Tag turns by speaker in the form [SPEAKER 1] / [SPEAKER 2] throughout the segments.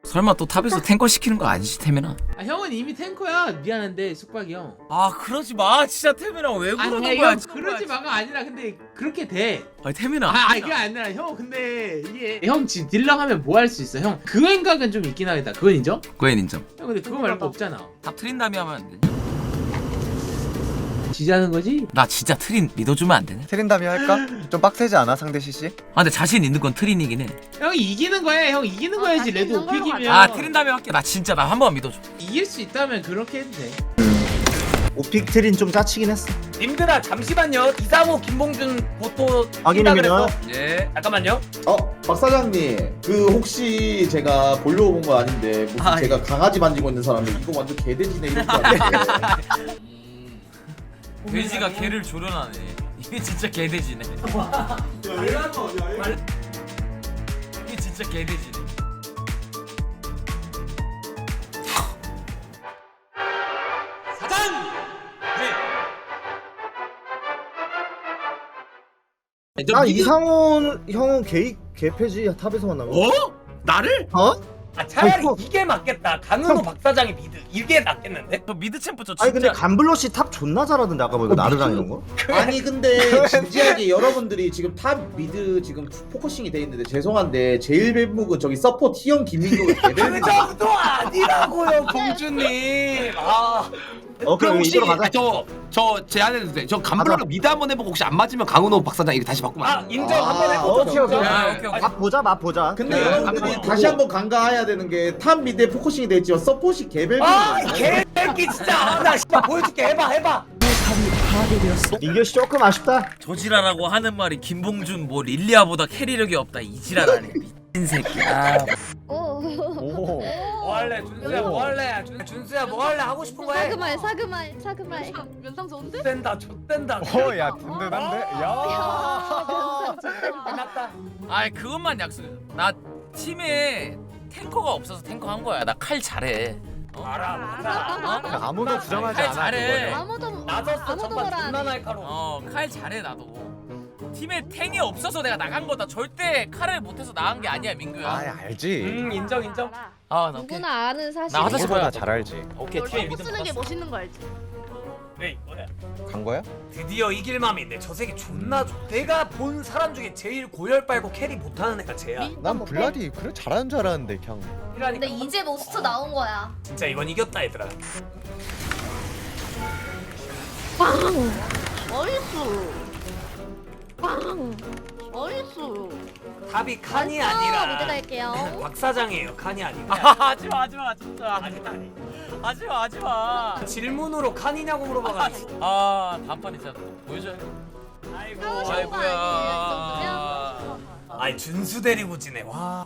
[SPEAKER 1] 설마 또 탑에서 탱커 시키는 거 아니지 태민아?
[SPEAKER 2] 아 형은 이미 탱커야. 미안한데 숙박이 형.
[SPEAKER 1] 아 그러지 마 진짜 태민아 왜 그러는 거야?
[SPEAKER 2] 형 그러지 마가 아니라 근데 그렇게 돼.
[SPEAKER 1] 아니 태민아.
[SPEAKER 2] 아니 그게 아니라 형 근데 이게 형 지금 딜러 하면 뭐 할 수 있어? 형 그 생각은 좀 있긴 하겠다. 그건 인정?
[SPEAKER 1] 그엔 인정.
[SPEAKER 2] 형 근데 그거 말고 없잖아.
[SPEAKER 1] 탑 트린 다음에 하면 안 되냐?
[SPEAKER 2] 지자는 거지?
[SPEAKER 1] 나 진짜 트린 믿어주면 안 되냐?
[SPEAKER 3] 트린다미 할까? 좀 빡세지 않아 상대 CC?
[SPEAKER 1] 아 근데 자신 있는 건 트린이긴 해.
[SPEAKER 2] 형 이기는 거야. 형 이기는 거야지. 레드
[SPEAKER 4] 자신 있는 걸로
[SPEAKER 2] 오픽이면.
[SPEAKER 1] 아 트린 다음에 할게. 나 진짜 나 한 번 믿어줘.
[SPEAKER 2] 이길 수 있다면 그렇게 해도 돼.
[SPEAKER 5] 오픽 트린 좀 짜치긴 했어.
[SPEAKER 6] 님들아 잠시만요. 이상호 김봉준 보토
[SPEAKER 5] 확인입니다.
[SPEAKER 1] 예.
[SPEAKER 6] 잠깐만요.
[SPEAKER 7] 박 사장님, 그 혹시 제가 보려고 본 거 아닌데 무슨
[SPEAKER 1] 아,
[SPEAKER 7] 제가 강아지 만지고 있는 사람이 이거 완전 개돼지네 이런 거 아닌데.
[SPEAKER 1] 돼지가 개를 조련하네. 이게 진짜 개돼지네. 이게 진짜 개돼지네.
[SPEAKER 5] 나 이상훈 형은 개패지 탑에서 만나면.
[SPEAKER 2] 나를?
[SPEAKER 5] 어?
[SPEAKER 6] 아 차라리
[SPEAKER 5] 형.
[SPEAKER 6] 이게 맞겠다. 강은호 박사장의 미드 이게 낫겠는데?
[SPEAKER 1] 저 미드 챔프 저
[SPEAKER 5] 아니 근데
[SPEAKER 1] 진짜.
[SPEAKER 5] 감블러시 탑 존나 잘하던데 아까 보니까 나르랑 이런 거.
[SPEAKER 7] 아니 근데 진지하게 여러분들이 지금 탑 미드 지금 포커싱이 돼 있는데 죄송한데 제일 벨목은 저기 서포 T형 김민규가
[SPEAKER 6] 그
[SPEAKER 7] 개벨목.
[SPEAKER 6] 정도 아니라고요 봉준님. 아
[SPEAKER 5] 그럼
[SPEAKER 8] 혹시
[SPEAKER 5] 이대로 가자.
[SPEAKER 8] 저 제안해도 돼. 저 감블러로 미드 한번 해보고 혹시 안 맞으면 강은호 박사장 이거 다시 바꾸면 안 돼?
[SPEAKER 6] 인정 한번 해보죠.
[SPEAKER 5] 오케이 오케이.
[SPEAKER 1] 아, 오케이, 오케이.
[SPEAKER 5] 맛 보자 맛 보자.
[SPEAKER 7] 근데
[SPEAKER 8] 네,
[SPEAKER 7] 여러분들이
[SPEAKER 8] 한번
[SPEAKER 7] 다시 한번 간과해야 되는 게 탑 미드에 포커싱이 돼 있지만 서폿이 개벨목.
[SPEAKER 6] 아이 개새끼 진짜. 나 씨발 보여줄게. 해봐.
[SPEAKER 5] 이것이 조금 아쉽다.
[SPEAKER 1] 저지라라고 하는 말이 김봉준 뭐 릴리아보다 캐리력이 없다 이 지랄하네. 미친 새끼. 아.
[SPEAKER 4] 오.
[SPEAKER 6] 뭐 할래 준수야 뭐 할래? 준수야 뭐 할래? 하고 싶은 거 해.
[SPEAKER 4] 사그마이. 면상 좋은데?
[SPEAKER 6] 좆된다.
[SPEAKER 3] 어야 든든한데? 야.
[SPEAKER 6] 끝났다.
[SPEAKER 1] 아이 그것만 약속해. 나 팀에 탱커가 없어서 탱커 한 거야. 나 칼 잘해.
[SPEAKER 6] 알아.
[SPEAKER 3] 아무도 부정하지
[SPEAKER 1] 칼
[SPEAKER 3] 않아.
[SPEAKER 1] 잘해.
[SPEAKER 3] 그거는.
[SPEAKER 4] 아무도
[SPEAKER 6] 나졌어
[SPEAKER 4] 아무도
[SPEAKER 6] 정말
[SPEAKER 4] 뭐라 안
[SPEAKER 6] 존나
[SPEAKER 4] 해.
[SPEAKER 6] 날카로워.
[SPEAKER 1] 칼 잘해 나도. 팀에 탱이 없어서 내가 나간 거다. 절대 칼을 못해서 나간 게 아니야 민규야.
[SPEAKER 3] 아 알지.
[SPEAKER 6] 인정.
[SPEAKER 1] 아 나 오케이.
[SPEAKER 4] 누구나 아는 사실.
[SPEAKER 1] 나 화장실
[SPEAKER 3] 누구보다
[SPEAKER 1] 가야
[SPEAKER 3] 잘 알지.
[SPEAKER 1] 오케이 팀에
[SPEAKER 4] 코
[SPEAKER 1] 믿음
[SPEAKER 4] 쓰는 게
[SPEAKER 1] 받았어.
[SPEAKER 4] 멋있는 거 알지?
[SPEAKER 6] 왜 이거야?
[SPEAKER 3] 간 거야?
[SPEAKER 6] 드디어 이길 맘인데 저 새끼 존나 내가 본 사람 중에 제일 고열 빨고 캐리 못하는 애가 쟤야.
[SPEAKER 3] 난 블라디 그래 잘하는 줄 알았는데 그냥.
[SPEAKER 4] 근데 이제 모스트 나온 거야.
[SPEAKER 6] 진짜 이건 이겼다 얘들아.
[SPEAKER 4] 어이수. 어이수.
[SPEAKER 6] 답이 칸이
[SPEAKER 4] 모델
[SPEAKER 6] 아니라
[SPEAKER 4] 할게요.
[SPEAKER 6] 박 사장이에요. 칸이 아니고.
[SPEAKER 1] 하지마 진짜. 하지마.
[SPEAKER 6] 질문으로 칸이냐고 물어봐가지고.
[SPEAKER 1] 아 단판이 진짜 보여줘야 돼.
[SPEAKER 6] 아이고.
[SPEAKER 4] 하고 싶은 거 아니에요,
[SPEAKER 6] 아이 준수 데리고 지내. 와.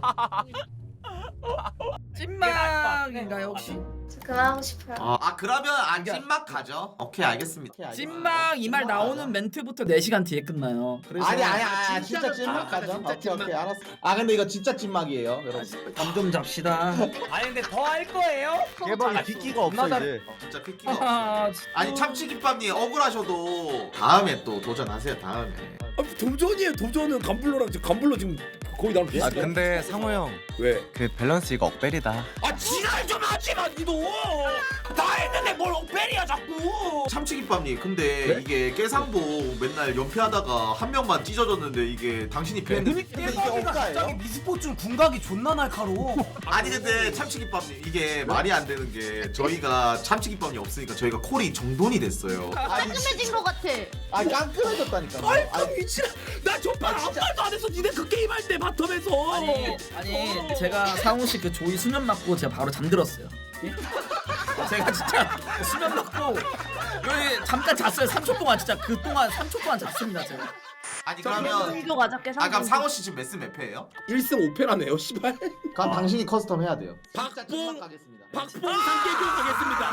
[SPEAKER 9] 찐막인가요 혹시?
[SPEAKER 4] 그만하고 싶어요.
[SPEAKER 10] 그러면 안 찐막 가죠. 오케이 알겠습니다.
[SPEAKER 9] 찐막 이 말 나오는 멘트부터 4시간 뒤에 끝나요. 그래서
[SPEAKER 7] 아니 진짜 찐막 가죠. 오케이 알았어. 근데 이거 진짜 찐막이에요 여러분.
[SPEAKER 9] 감 좀 잡시다.
[SPEAKER 6] 아니 근데 더 할 거예요?
[SPEAKER 5] 개방이 빗기가 없어 이제.
[SPEAKER 10] 진짜 픽기가 없어.
[SPEAKER 9] 아,
[SPEAKER 10] 아니 참치김밥님 억울하셔도 다음에 또 도전하세요. 다음에.
[SPEAKER 8] 도전이에요. 도전은 감블러랑 감블러 지금 거의 나랑
[SPEAKER 3] 아
[SPEAKER 8] 비슷해.
[SPEAKER 3] 근데 상호 형.
[SPEAKER 8] 왜?
[SPEAKER 3] 그 밸런스 이거 억벨이다.
[SPEAKER 8] 아 지랄 좀 하지마 니도. 다 했는데 뭘 억벨이야 자꾸.
[SPEAKER 10] 참치김밥님 근데 이게 깨상도 맨날 연패하다가 한 명만 찢어졌는데 이게 당신이 패했는데
[SPEAKER 7] 근데 이게 억가예요?
[SPEAKER 6] 갑자기 미스포춘 궁각이 존나 날카로워.
[SPEAKER 10] 아니 근데 참치김밥님 이게 말이 안 되는 게 저희가 참치김밥이 없으니까 저희가 콜이 정돈이 됐어요.
[SPEAKER 4] 깔끔해진 거 같아.
[SPEAKER 7] 깡끈해졌다니까요.
[SPEAKER 8] 아이 미치라. 나 정말 아무 말도 안 했어. 니네 그 게임 할 때 바텀에서.
[SPEAKER 9] 아니 제가 상훈 씨 그 조이 수면 맞고 제가 바로 잠들었어요. 제가 진짜 수면 맞고 여기 잠깐 잤어요. 3초 동안 진짜 그 동안 3초 동안 잤습니다 제가.
[SPEAKER 10] 아니 그러면 그럼 상호 씨 지금 몇 패예요?
[SPEAKER 8] 1승 5패라네요. 씨발.
[SPEAKER 7] 그럼 당신이 커스텀 해야 돼요.
[SPEAKER 10] 박봉 가겠습니다.
[SPEAKER 8] 박봉 상대교 가겠습니다.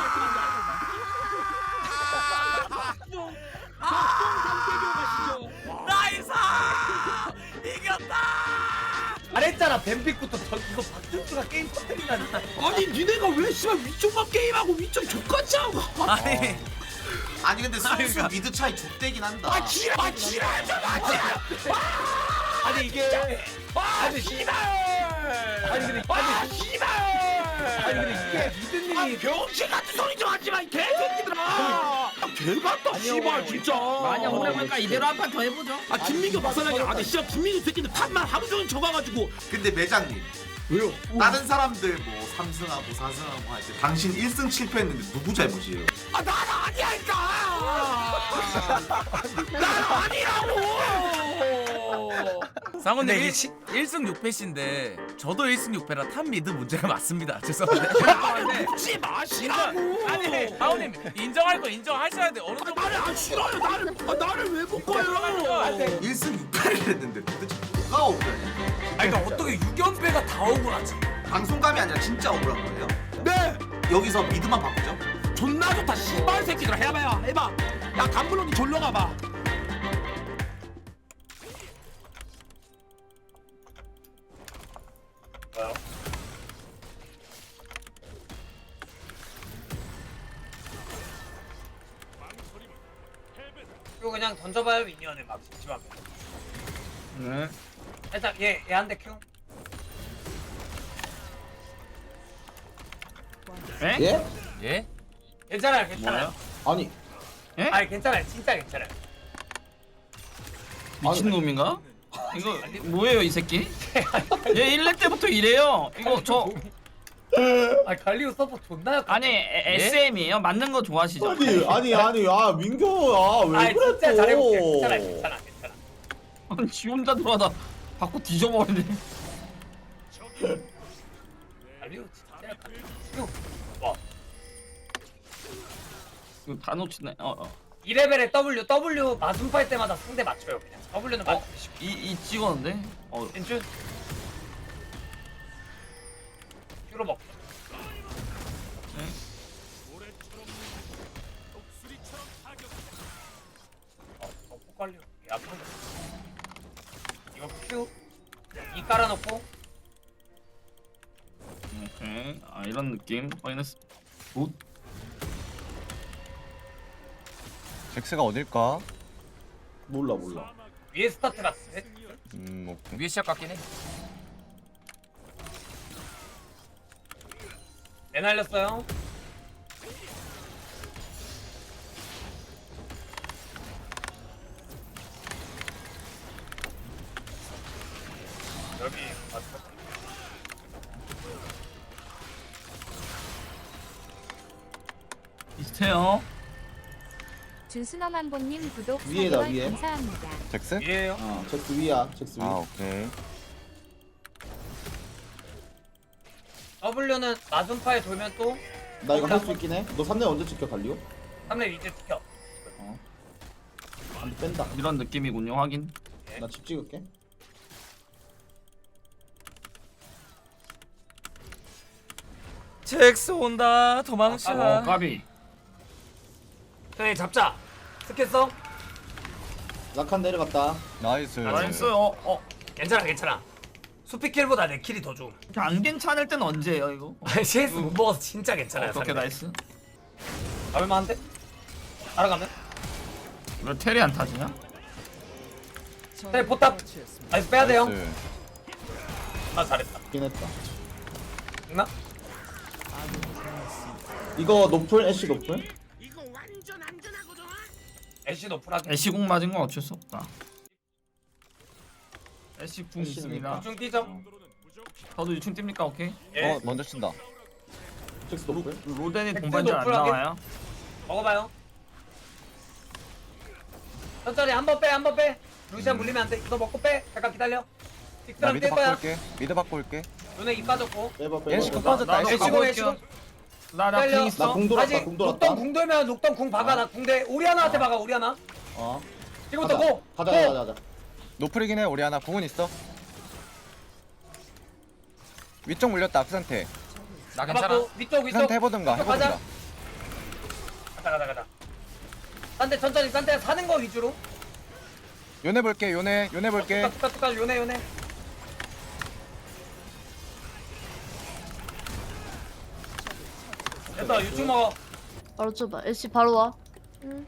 [SPEAKER 1] 나이스! 이겼다!
[SPEAKER 6] 잘했잖아. 뱀픽부터 이거 박준수가 게임 터뜨린다니까.
[SPEAKER 8] 아니 니네가 왜 씨발 위쪽만 게임하고 위쪽 족같이 하고.
[SPEAKER 10] 아니 근데 선수 미드 차이 족대긴 한다.
[SPEAKER 8] 지랄 좀 하지.
[SPEAKER 6] 아니 이게
[SPEAKER 8] 아니 씨발. 아 씨발
[SPEAKER 6] 아니 근데 이게 미드님이
[SPEAKER 8] 병신 같은 소리 좀 하지 마 이 개새끼들아 개같다 씨발 진짜
[SPEAKER 9] 만약 오래 걸까 이대로 한 판 더 해보죠.
[SPEAKER 8] 아 김민규 박사장이 아니 씨발 김민규 새끼들 탑만 하루 종일 쳐가가지고
[SPEAKER 10] 근데 매장님
[SPEAKER 8] 왜요?
[SPEAKER 10] 다른 사람들 뭐 3승하고 4승하고 할 때 당신 1승 7패했는데 누구 잘못이에요?
[SPEAKER 8] 아 난 아니야니까 난 아니라고
[SPEAKER 1] 상훈님
[SPEAKER 6] 근데
[SPEAKER 1] 1승 6패신데 저도 1승 6패라 탑 미드 문제가 맞습니다. 죄송한데.
[SPEAKER 8] 묻지 마시라고
[SPEAKER 1] 아니 상훈님 인정할 거 인정하셔야 돼. 어느 정도
[SPEAKER 8] 나를 안 싫어요 나를 왜 묶어요
[SPEAKER 10] 1승 6패를 했는데 도대체 뭐가 억울하냐?
[SPEAKER 6] 아니 그러니까 어떻게 6연패가 다 억울하지?
[SPEAKER 10] 방송감이 아니라 진짜 억울한 거예요?
[SPEAKER 8] 네
[SPEAKER 10] 여기서 미드만 바꾸죠?
[SPEAKER 8] 존나 좋다 씨발 새끼들아 해봐 야 간블럭이 졸려 가봐
[SPEAKER 6] 이거 그냥 던져봐요 미니언을 막 집 앞에.
[SPEAKER 9] 네.
[SPEAKER 6] 일단 얘 한 대 큐.
[SPEAKER 7] 예?
[SPEAKER 1] 예?
[SPEAKER 6] 괜찮아요 괜찮아요.
[SPEAKER 7] 아니
[SPEAKER 6] 아니 괜찮아요 진짜 괜찮아요.
[SPEAKER 9] 미친 놈인가? 이거 뭐예요 이 새끼? 얘 1렙 때부터 이래요. 이거 저
[SPEAKER 6] 아 갈리오 서포 존나 약간.
[SPEAKER 9] 아니 SM이에요. 맞는 거 좋아하시죠?
[SPEAKER 7] 아니 아 민규야 왜
[SPEAKER 6] 아니
[SPEAKER 7] 그래
[SPEAKER 6] 진짜
[SPEAKER 7] 또
[SPEAKER 6] 잘해볼게. 괜찮아.
[SPEAKER 9] 아니 지 혼자 들어가다 받고 뒤져버리네.
[SPEAKER 6] 갈리오 진짜 약간.
[SPEAKER 9] 이거 다 놓치네.
[SPEAKER 6] 2레벨에 W 마순팔 때마다 상대 맞춰요 그냥. W는 맞추시고.
[SPEAKER 9] 이 찍었는데?
[SPEAKER 6] 인준. 큐로 먹. 갈리오. 약간. 이거 큐. 이 깔아놓고.
[SPEAKER 9] 오케이. 아 이런 느낌. 마이너스. 굿.
[SPEAKER 3] 잭스가 어딜까?
[SPEAKER 7] 몰라
[SPEAKER 6] 위에 스타트 같은데?
[SPEAKER 3] 오케이.
[SPEAKER 1] 위에 시작 같긴 해.
[SPEAKER 6] 애 날렸어요. 여기 맞다.
[SPEAKER 9] 비슷해요.
[SPEAKER 4] 준수너만보님 구독
[SPEAKER 7] 위에다,
[SPEAKER 4] 4개월
[SPEAKER 7] 위에.
[SPEAKER 4] 감사합니다.
[SPEAKER 3] 잭스?
[SPEAKER 6] 위에요.
[SPEAKER 7] 잭스 위야 잭스 위
[SPEAKER 3] 아 오케이.
[SPEAKER 6] W는 마순파에 돌면 또
[SPEAKER 7] 나 이거 할 수 있긴 해너 3렙 언제 찍혀 갈리오?
[SPEAKER 6] 3렙 이제 지켜.
[SPEAKER 7] 안돼 뺀다
[SPEAKER 9] 이런 느낌이군요. 확인.
[SPEAKER 7] 나 집 찍을게
[SPEAKER 1] 잭스 온다. 도망쳐.
[SPEAKER 9] 까비.
[SPEAKER 6] 형님 잡자. 스켰어?
[SPEAKER 7] 라칸 내려갔다
[SPEAKER 3] 나이스.
[SPEAKER 9] 나이스.
[SPEAKER 6] 괜찮아. 수피킬보다 내 킬이 더 좋음.
[SPEAKER 9] 안 괜찮을 땐 언제예요 이거?
[SPEAKER 6] CS 못 먹어서 진짜 괜찮아요.
[SPEAKER 9] 오케이
[SPEAKER 6] 상대.
[SPEAKER 9] 나이스.
[SPEAKER 6] 얼마한데? 알아가면?
[SPEAKER 9] 왜 테리 안 타지냐?
[SPEAKER 6] 네, 포탑. 나이스 빼야 돼요.
[SPEAKER 3] 나이스.
[SPEAKER 6] 아 잘했다.
[SPEAKER 7] 있긴 했다
[SPEAKER 6] 있나?
[SPEAKER 7] 이거 노플 애쉬 노플
[SPEAKER 6] 애쉬 노프라기.
[SPEAKER 9] 애쉬궁 맞은 건 어쩔 수 없다. 애쉬궁
[SPEAKER 7] 애쉬는
[SPEAKER 9] 있습니다.
[SPEAKER 6] 중 뛰죠.
[SPEAKER 9] 저도 유충 뜁니까? 오케이.
[SPEAKER 6] 예.
[SPEAKER 3] 먼저 친다.
[SPEAKER 7] 잭스 노플
[SPEAKER 9] 로덴이
[SPEAKER 6] 엑스
[SPEAKER 9] 동반자 안
[SPEAKER 6] 노플하게?
[SPEAKER 9] 나와요?
[SPEAKER 6] 먹어봐요. 천천히 한 번 빼. 루시안 물리면 안 돼. 이거 먹고 빼. 잠깐 기다려.
[SPEAKER 3] 나
[SPEAKER 6] 빅스랑
[SPEAKER 3] 미드
[SPEAKER 6] 뛸
[SPEAKER 3] 바꿔
[SPEAKER 6] 거야.
[SPEAKER 3] 올게. 미드 바꿔 올게.
[SPEAKER 6] 눈에 입 빠졌고.
[SPEAKER 7] 빼봐
[SPEAKER 3] 애쉬
[SPEAKER 7] 빼봐
[SPEAKER 3] 급하졌다.
[SPEAKER 9] 나도
[SPEAKER 3] 애쉬
[SPEAKER 6] 가고
[SPEAKER 9] 가볼게요. 나궁
[SPEAKER 6] 빨려.
[SPEAKER 9] 있어.
[SPEAKER 7] 나궁 돌았다
[SPEAKER 6] 아직
[SPEAKER 7] 궁 돌았다
[SPEAKER 6] 녹던 궁 돌면 녹던 궁 박아. 나 궁대 오리아나한테 박아. 오리아나.
[SPEAKER 7] 어
[SPEAKER 6] 지금부터 고.
[SPEAKER 7] 가자
[SPEAKER 3] 노플이긴 해. 우리 하나 궁은 있어. 위쪽 물렸다. 악산테.
[SPEAKER 1] 나 괜찮아.
[SPEAKER 6] 잡았고 위쪽.
[SPEAKER 3] 악산테 해보든가.
[SPEAKER 6] 위쪽 가자.
[SPEAKER 3] 해보든가.
[SPEAKER 6] 가자. 딴데 천천히 딴데 사는 거 위주로.
[SPEAKER 3] 요네 볼게. 요네 볼게.
[SPEAKER 6] 뚝딱 요네. 됐다 유충 먹어.
[SPEAKER 4] 바로 줘봐. 애쉬 바로 와. 응.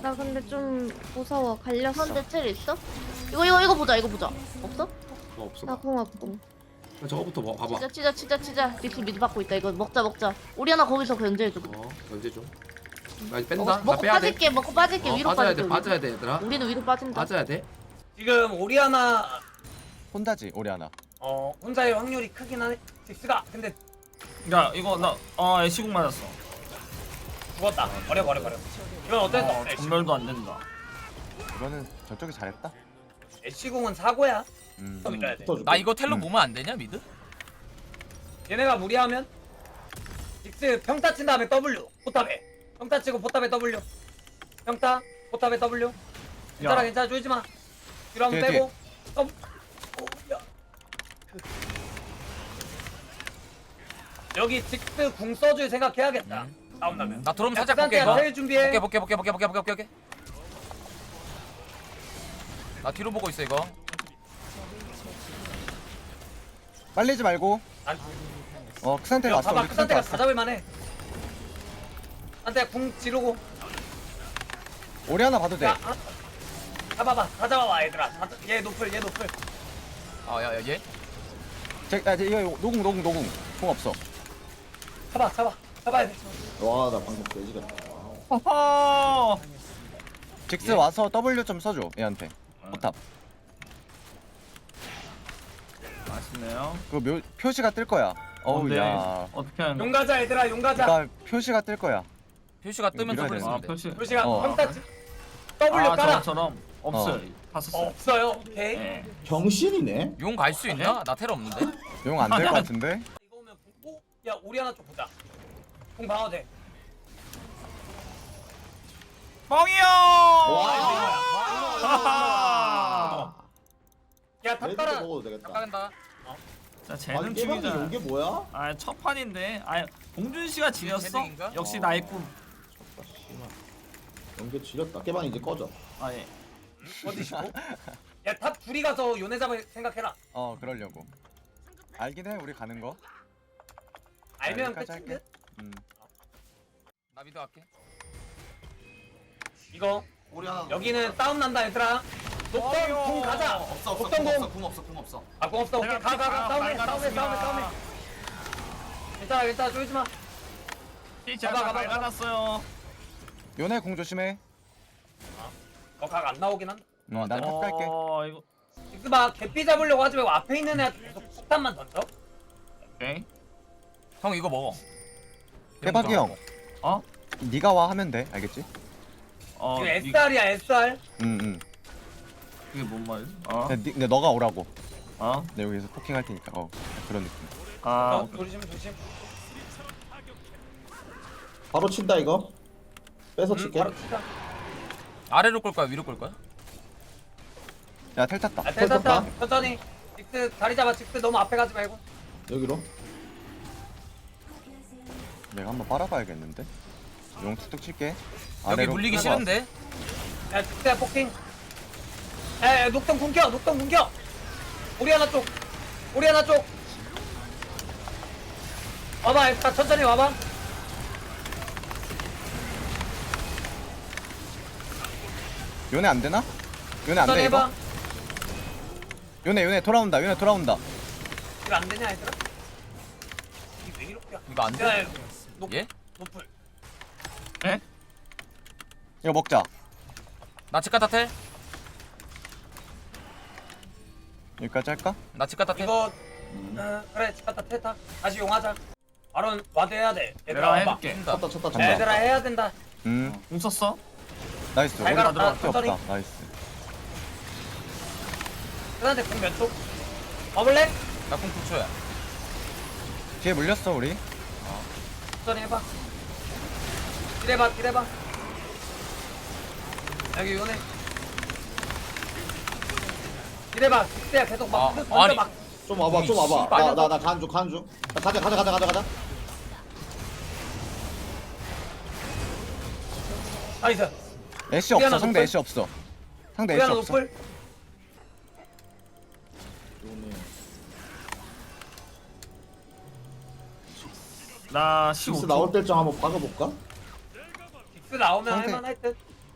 [SPEAKER 4] 나 근데 좀 무서워. 갈렸어. 선대 칠 있어? 이거 보자. 이거 보자. 없어?
[SPEAKER 8] 없어.
[SPEAKER 4] 나 공 없고.
[SPEAKER 8] 저거부터 뭐 봐봐.
[SPEAKER 4] 치자. 립스 미드 받고 있다. 이거 먹자. 우리 하나 거기서 견제해줘.
[SPEAKER 8] 언제 좀. 나 이제 뺀다. 나
[SPEAKER 4] 먹고
[SPEAKER 8] 빼야 돼.
[SPEAKER 4] 빠질게. 먹고 빠질게. 위로
[SPEAKER 8] 빠져야
[SPEAKER 4] 빠질게.
[SPEAKER 8] 돼.
[SPEAKER 4] 우리.
[SPEAKER 8] 빠져야 돼, 얘들아.
[SPEAKER 4] 우리는 위로 빠진다.
[SPEAKER 8] 빠져야 돼.
[SPEAKER 6] 지금 오리아나
[SPEAKER 3] 혼자지 오리아나.
[SPEAKER 6] 혼자의 확률이 크긴 하네. 딕스가 근데
[SPEAKER 9] 야 이거 나 애쉬궁 맞았어.
[SPEAKER 6] 죽었다. 버려. 이건 어쩔 수 없어.
[SPEAKER 9] 전멸도 안 된다.
[SPEAKER 3] 이거는 저쪽이 잘했다.
[SPEAKER 6] 애쉬궁은 사고야.
[SPEAKER 3] 음.
[SPEAKER 6] 밀어야 돼.
[SPEAKER 7] 붙어줄게.
[SPEAKER 1] 나 이거 텔로 보면 안 되냐 미드?
[SPEAKER 6] 얘네가 무리하면 딕스 평타 친 다음에 W 포탑에 평타 치고 포탑에 W 평타 포탑에 W 괜찮아 조이지 마. 뒤로 한번
[SPEAKER 3] 뒤에,
[SPEAKER 6] 빼고 야. 여기 딕스 궁 써줄 생각해야겠다. 나온다면.
[SPEAKER 1] 나 드럼 살짝 볼게 이거.
[SPEAKER 6] 텔 준비해.
[SPEAKER 1] 볼게. 나 뒤로 보고 있어 이거.
[SPEAKER 3] 빨리지 말고.
[SPEAKER 6] 안-
[SPEAKER 3] 크산테
[SPEAKER 6] 야,
[SPEAKER 3] 왔어.
[SPEAKER 6] 봐봐
[SPEAKER 3] 우리 크산테
[SPEAKER 6] 크산테가 다
[SPEAKER 3] 왔어.
[SPEAKER 6] 잡을만해. 한테 궁 지르고
[SPEAKER 3] 오리아나 봐도 돼.
[SPEAKER 6] 잡아봐 다 잡아봐 얘들아. 얘 노플.
[SPEAKER 1] 아야 얘.
[SPEAKER 3] 이거 노궁. 공 없어.
[SPEAKER 6] 잡아야 돼.
[SPEAKER 7] 와, 나 방금 돼지겠다.
[SPEAKER 9] 허허.
[SPEAKER 3] 직스 와서 W 좀 써줘 얘한테. 포탑.
[SPEAKER 9] 맛있네요.
[SPEAKER 3] 그 표시가 뜰 거야. 어우
[SPEAKER 9] 네.
[SPEAKER 3] 야.
[SPEAKER 9] 어떻게 하는
[SPEAKER 6] 용 가자 얘들아 용 가자.
[SPEAKER 3] 그러니까 표시가 뜰 거야.
[SPEAKER 1] 표시가 뜨면
[SPEAKER 3] 밀어야
[SPEAKER 1] 더블
[SPEAKER 3] 되는데.
[SPEAKER 1] 쓰면 돼.
[SPEAKER 9] 표시.
[SPEAKER 6] 표시가
[SPEAKER 3] 어.
[SPEAKER 6] 평타 W 깔아.
[SPEAKER 9] 저처럼 없어요. 다 썼어요.
[SPEAKER 6] 없어요. 오케이.
[SPEAKER 9] 네.
[SPEAKER 7] 병신이네.
[SPEAKER 1] 용 갈 수 있나? 나 텔 없는데.
[SPEAKER 3] 용 안 될 것 같은데.
[SPEAKER 6] 이거 오면 궁. 야 우리 하나 좀 보자. 궁 방어 돼.
[SPEAKER 9] 뻥이요.
[SPEAKER 6] 야 탑
[SPEAKER 7] 레드도
[SPEAKER 6] 깔아.
[SPEAKER 7] 먹어도 되겠다.
[SPEAKER 1] 깎아간다.
[SPEAKER 9] 자
[SPEAKER 7] 아니,
[SPEAKER 9] 쟤는
[SPEAKER 7] 깨방이
[SPEAKER 9] 죽이자.
[SPEAKER 7] 이게 뭐야?
[SPEAKER 9] 첫 판인데. 봉준 씨가 지렸어?
[SPEAKER 1] 재능인가?
[SPEAKER 9] 역시 나의 꿈.
[SPEAKER 7] 연계 지렸다. 깨방이 이제 꺼져.
[SPEAKER 9] 예.
[SPEAKER 6] 어디 싶어? 야탑 둘이 가서 요네 잡을 생각해라.
[SPEAKER 3] 그러려고. 알긴 해 우리 가는 거.
[SPEAKER 6] 알면
[SPEAKER 3] 여기까지
[SPEAKER 6] 끝인
[SPEAKER 3] 할게.
[SPEAKER 6] 듯.
[SPEAKER 1] 나 미드 할게.
[SPEAKER 6] 이거
[SPEAKER 10] 우리 하나.
[SPEAKER 6] 여기는 싸움 난다 얘들아. 녹턴 궁 가자.
[SPEAKER 10] 없어.
[SPEAKER 6] 녹턴 궁.
[SPEAKER 10] 궁 없어.
[SPEAKER 6] 아 궁 없어. 오케이 가. 싸움해. 괜찮아 조이지 마.
[SPEAKER 9] 제가 밟아놨어요.
[SPEAKER 3] 요네 공 조심해.
[SPEAKER 6] 각 안 나오긴 한다.
[SPEAKER 3] 난 탑 갈게.
[SPEAKER 9] 이거.
[SPEAKER 6] 딕스 봐 개삐 잡으려고 하지 말고 앞에 있는 애한테 계속 폭탄만 던져.
[SPEAKER 9] 오케이.
[SPEAKER 1] 형 이거 먹어.
[SPEAKER 3] 대박이 형.
[SPEAKER 9] 어?
[SPEAKER 3] 네가 와 하면 돼. 알겠지?
[SPEAKER 6] 이거 SR이야 SR.
[SPEAKER 3] 응.
[SPEAKER 9] 그게 뭔 말이야?
[SPEAKER 3] 근데 너가 오라고.
[SPEAKER 9] 어?
[SPEAKER 3] 내 여기서 포킹할 테니까. 그런 느낌.
[SPEAKER 6] 조심.
[SPEAKER 7] 바로 친다 이거. 뺏어 칠게.
[SPEAKER 6] 바로 치자.
[SPEAKER 1] 아래로 끌 거야 위로 끌 거야?
[SPEAKER 3] 야 텔 탔다.
[SPEAKER 6] 아 됐다. 천천히. 딕스 다리 잡아. 딕스 너무 앞에 가지 말고.
[SPEAKER 7] 여기로.
[SPEAKER 3] 내가 한번 빨아봐야겠는데. 용 툭툭 칠게.
[SPEAKER 1] 여기
[SPEAKER 3] 아래로
[SPEAKER 1] 물리기
[SPEAKER 3] 끌고
[SPEAKER 1] 싫은데.
[SPEAKER 6] 야 딕스야 포킹. 에 녹턴 궁켜. 우리 하나 쪽. 와봐 엑스타 천천히 와봐.
[SPEAKER 3] 요네 안 되나? 요네 안
[SPEAKER 6] 천천히
[SPEAKER 3] 돼
[SPEAKER 6] 해봐.
[SPEAKER 3] 이거? 요네 돌아온다.
[SPEAKER 6] 이거 안 되냐 얘들아? 이게 왜 이렇게?
[SPEAKER 1] 이거 안 돼?
[SPEAKER 6] 야
[SPEAKER 1] 예?
[SPEAKER 6] 노플.
[SPEAKER 3] 이거 먹자.
[SPEAKER 1] 나 집 갔다 텔.
[SPEAKER 3] 여기까지 할까?
[SPEAKER 1] 나 집 갔다 텔.
[SPEAKER 6] 이거 그래 집 갔다 테타. 다시 용하자. 바로 와드 해야 돼. 얘들아
[SPEAKER 9] 내가
[SPEAKER 6] 와봐.
[SPEAKER 9] 해줄게.
[SPEAKER 7] 쳤다.
[SPEAKER 6] 얘들아 해야 된다.
[SPEAKER 9] 공 썼어?
[SPEAKER 3] 나이스.
[SPEAKER 6] 잘 갈았다,
[SPEAKER 3] 들어갈 게
[SPEAKER 6] 천천히.
[SPEAKER 3] 없다. 나이스.
[SPEAKER 6] 그한테 궁몇 초? 와볼래?
[SPEAKER 1] 나궁 9초야.
[SPEAKER 3] 뒤에 물렸어 우리.
[SPEAKER 6] 천천히 해봐. 딜해봐. 여기 요네. 딜해봐. 딕스야 계속 막 던져
[SPEAKER 1] 아니.
[SPEAKER 6] 막.
[SPEAKER 7] 좀 와봐.
[SPEAKER 1] 씨발.
[SPEAKER 7] 나 간주. 가자.
[SPEAKER 6] 나이스.
[SPEAKER 3] 애쉬
[SPEAKER 6] 우리
[SPEAKER 3] 없어.
[SPEAKER 6] 하나
[SPEAKER 3] 상대
[SPEAKER 6] 노플?
[SPEAKER 3] 애쉬 없어. 상대
[SPEAKER 6] 우리
[SPEAKER 3] 애쉬
[SPEAKER 6] 하나
[SPEAKER 3] 없어.
[SPEAKER 6] 노플.
[SPEAKER 9] 나
[SPEAKER 7] 믹스
[SPEAKER 9] 15초.
[SPEAKER 7] 나올 때쯤 한번 박아볼까?
[SPEAKER 6] 딕스 나오면
[SPEAKER 3] 상대.
[SPEAKER 6] 할만할 듯.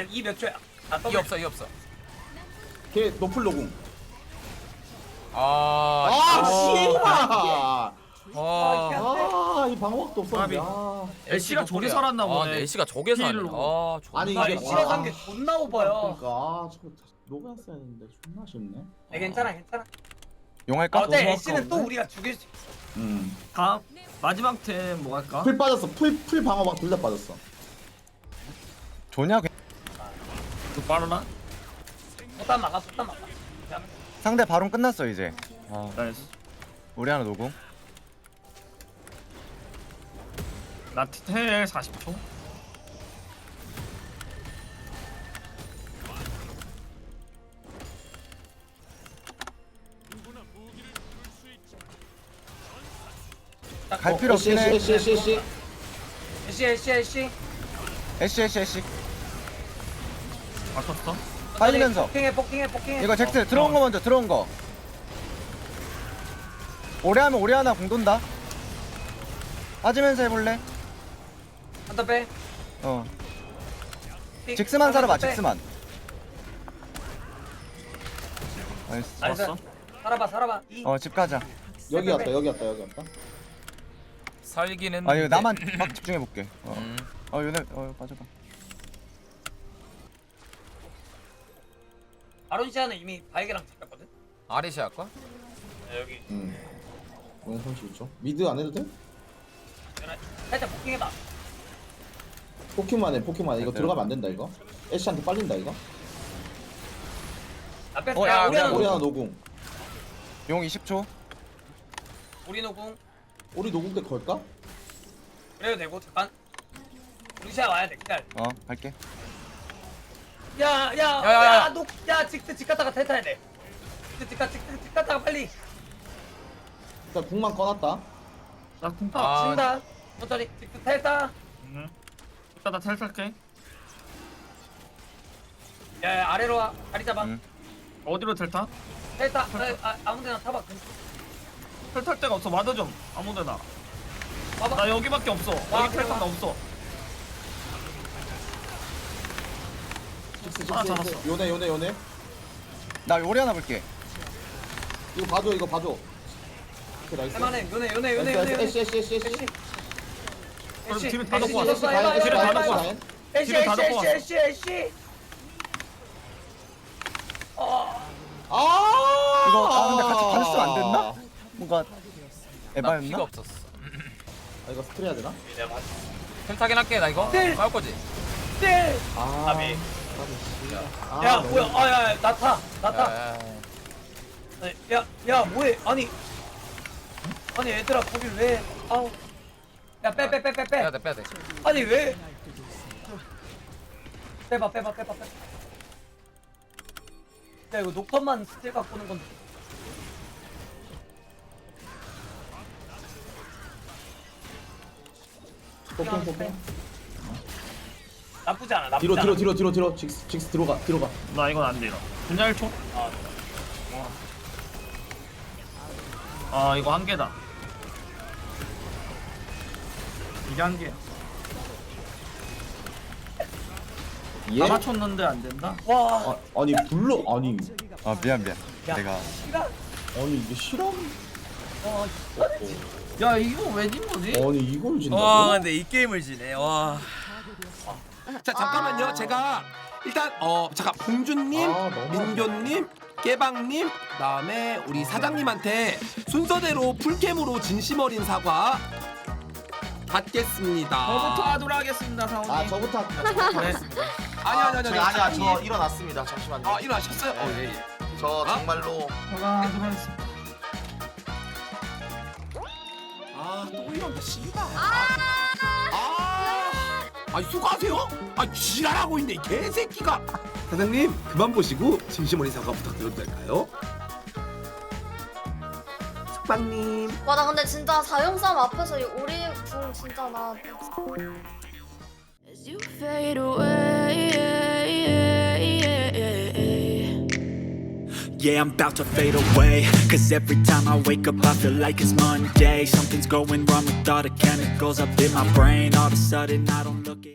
[SPEAKER 6] 이 몇 초야? 아
[SPEAKER 1] 이
[SPEAKER 6] W.
[SPEAKER 1] 없어 이 없어.
[SPEAKER 5] 걔 노플 노궁.
[SPEAKER 1] 아
[SPEAKER 5] 씨발.
[SPEAKER 1] 아
[SPEAKER 5] 이 방법도 없었는데. 아.
[SPEAKER 9] 애쉬가 저기 살았나 보네.
[SPEAKER 1] 애쉬가 저게 사네.
[SPEAKER 9] 힐로.
[SPEAKER 1] 아 존나.
[SPEAKER 5] 아니,
[SPEAKER 6] 아
[SPEAKER 5] 이게-
[SPEAKER 6] 이시러 산게 존나 오버야.
[SPEAKER 5] 그러니까 저거 녹았어야 했는데 존나 쉽네.
[SPEAKER 6] 괜찮아 괜찮아.
[SPEAKER 3] 용할까?
[SPEAKER 6] 어때 애쉬는 또 우리가 죽일 수 있어.
[SPEAKER 9] 다음 마지막 템 뭐 할까?
[SPEAKER 5] 풀 빠졌어. 풀 방어막 둘 다 빠졌어.
[SPEAKER 3] 조냐?
[SPEAKER 9] 또 빠르나?
[SPEAKER 6] 포탄 막아 포탄 막아.
[SPEAKER 3] 상대 바론 끝났어 이제.
[SPEAKER 9] 나이스.
[SPEAKER 3] 우리 하나 노공.
[SPEAKER 9] 나 텔 40초.
[SPEAKER 3] 갈 필요 없긴 해.
[SPEAKER 5] 애쉬.
[SPEAKER 6] 애쉬.
[SPEAKER 3] 애쉬.
[SPEAKER 9] 바꿨어?
[SPEAKER 3] 빨리면서.
[SPEAKER 6] 포킹해.
[SPEAKER 3] 이거 잭스 들어온 거 먼저 들어온 거. 오래 하면 오래 하나 공 돈다. 빠지면서 해볼래?
[SPEAKER 6] 한타 빼.
[SPEAKER 3] 어. 잭스만 살아봐 잭스만. 나이스.
[SPEAKER 6] 나이스.
[SPEAKER 9] 왔어?
[SPEAKER 6] 살아봐.
[SPEAKER 3] 집 가자.
[SPEAKER 5] 여기 왔다.
[SPEAKER 1] 살기는.
[SPEAKER 3] 아 이거 나만 막 집중해 볼게.
[SPEAKER 1] 음.
[SPEAKER 3] 요네 빠져봐.
[SPEAKER 6] 아론시아는 이미 바이게랑 잡혔거든.
[SPEAKER 1] 아리시 할까?
[SPEAKER 6] 여기
[SPEAKER 5] 용 32초. 미드 안 해도 돼?
[SPEAKER 6] 살짝 포킹해봐.
[SPEAKER 5] 포켓만 해. 이거 들어가면 안 된다 이거. 애쉬한테 빨린다 이거.
[SPEAKER 6] 앞에
[SPEAKER 1] 야,
[SPEAKER 6] 우리 하나
[SPEAKER 5] 우리 하나
[SPEAKER 6] 노궁.
[SPEAKER 5] 노궁.
[SPEAKER 3] 용 20초.
[SPEAKER 6] 우리 노궁.
[SPEAKER 5] 우리 노궁 때 걸까?
[SPEAKER 6] 그래도 되고 잠깐. 루시아 와야 돼. 기다려.
[SPEAKER 3] 갈게.
[SPEAKER 1] 야야야.
[SPEAKER 6] 야 직스 직 갔다가 탈타야 돼. 직스 직 갔다가 빨리.
[SPEAKER 5] 일단 궁만 꺼놨다.
[SPEAKER 9] 나 궁파.
[SPEAKER 1] 아,
[SPEAKER 6] 친다. 천천히 직스 탈타.
[SPEAKER 9] 이따 나 탈탈게.
[SPEAKER 6] 야 아래로 와. 다리 잡아.
[SPEAKER 9] 어디로 탈타?
[SPEAKER 6] 탈타. 아무데나 타봐.
[SPEAKER 9] 탈탈 데가 없어. 와드 좀. 아무데나.
[SPEAKER 6] 봐봐.
[SPEAKER 9] 나 여기밖에 없어.
[SPEAKER 6] 와,
[SPEAKER 9] 여기 탈탈 나 없어.
[SPEAKER 5] 직스
[SPEAKER 9] 아,
[SPEAKER 5] 직스
[SPEAKER 9] 잡았어.
[SPEAKER 5] 직스. 요네.
[SPEAKER 3] 나 요리 하나 볼게.
[SPEAKER 5] 이거 봐줘. 오케이 나이스.
[SPEAKER 6] 할만해. 요네.
[SPEAKER 5] 나이스. 애쉬.
[SPEAKER 9] 그럼
[SPEAKER 6] 애쉬.
[SPEAKER 9] 팀이 다
[SPEAKER 6] 애쉬.
[SPEAKER 9] 넣고 왔어.
[SPEAKER 5] 가연.
[SPEAKER 9] 애쉬를 다 넣고 왔어.
[SPEAKER 5] 가연.
[SPEAKER 9] 뒤를 다 넣고 왔어.
[SPEAKER 6] 애쉬.
[SPEAKER 3] 이거 근데 같이 받았으면 안 됐나? 뭔가
[SPEAKER 1] 나 피가
[SPEAKER 3] 에바였나?
[SPEAKER 1] 없었어.
[SPEAKER 5] 이거 스킬 해야 되나?
[SPEAKER 1] 템타긴 할게 나 이거.
[SPEAKER 6] 네.
[SPEAKER 1] 싸울 거지.
[SPEAKER 5] 아.
[SPEAKER 6] 아비.
[SPEAKER 5] 아,
[SPEAKER 6] 야
[SPEAKER 5] 너무-
[SPEAKER 6] 뭐야? 아야 나 타.
[SPEAKER 1] 야야야.
[SPEAKER 6] 야 뭐해? 아니 얘들아 거길 왜? 아우. 야 빼.
[SPEAKER 1] 빼야 돼.
[SPEAKER 6] 아니 왜? 빼봐. 야 이거 녹턴만 스틸 갖고 오는 건데.
[SPEAKER 5] 폭풍.
[SPEAKER 6] 나쁘지 않아. 나쁘지 않아.
[SPEAKER 5] 뒤로. 직스 들어가.
[SPEAKER 9] 나 이건 안 돼요. 분야 1초? 아 이거 한 개다. 이게 한 개야.
[SPEAKER 5] 예?
[SPEAKER 9] 다 맞췄는데 안 된다?
[SPEAKER 6] 와.
[SPEAKER 5] 아니 불러. 아니
[SPEAKER 3] 미안.
[SPEAKER 6] 야.
[SPEAKER 3] 내가
[SPEAKER 6] 시간.
[SPEAKER 5] 이게 실험?
[SPEAKER 6] 와.
[SPEAKER 9] 야 이거 왜 진 거지?
[SPEAKER 5] 아니 이걸 진다고?
[SPEAKER 1] 와 근데 이 게임을 지네. 와.
[SPEAKER 8] 자 잠깐만요. 제가 일단 잠깐 봉준님,
[SPEAKER 5] 아, 너무
[SPEAKER 8] 민교님, 깨방님, 그다음에 우리 사장님한테 순서대로 풀캠으로 진심 어린 사과 받겠습니다.
[SPEAKER 9] 저부터 하도록 하겠습니다 사원님.
[SPEAKER 5] 아 저부터
[SPEAKER 9] 네.
[SPEAKER 10] 아니야 저 일어났습니다. 잠시만요.
[SPEAKER 8] 아 일어나셨어요? 예.
[SPEAKER 10] 저 정말로
[SPEAKER 9] 제가 하도록 하겠습니다.
[SPEAKER 8] 아또 이런다 씨발. 아 수고하세요. 아 지랄하고 있네 이 개새끼가. 사장님 그만 보시고 진심 어린 사과 부탁드려도 될까요? 숙박님.
[SPEAKER 4] 와 나 근데 진짜 사용삼 앞에서 이 오리 궁 진짜 나
[SPEAKER 11] As you fade away,
[SPEAKER 12] Yeah, I'm about to fade away. Cause every time I wake up I feel like it's Monday. Something's going wrong with all the chemicals up in my brain. All of a sudden I don't look at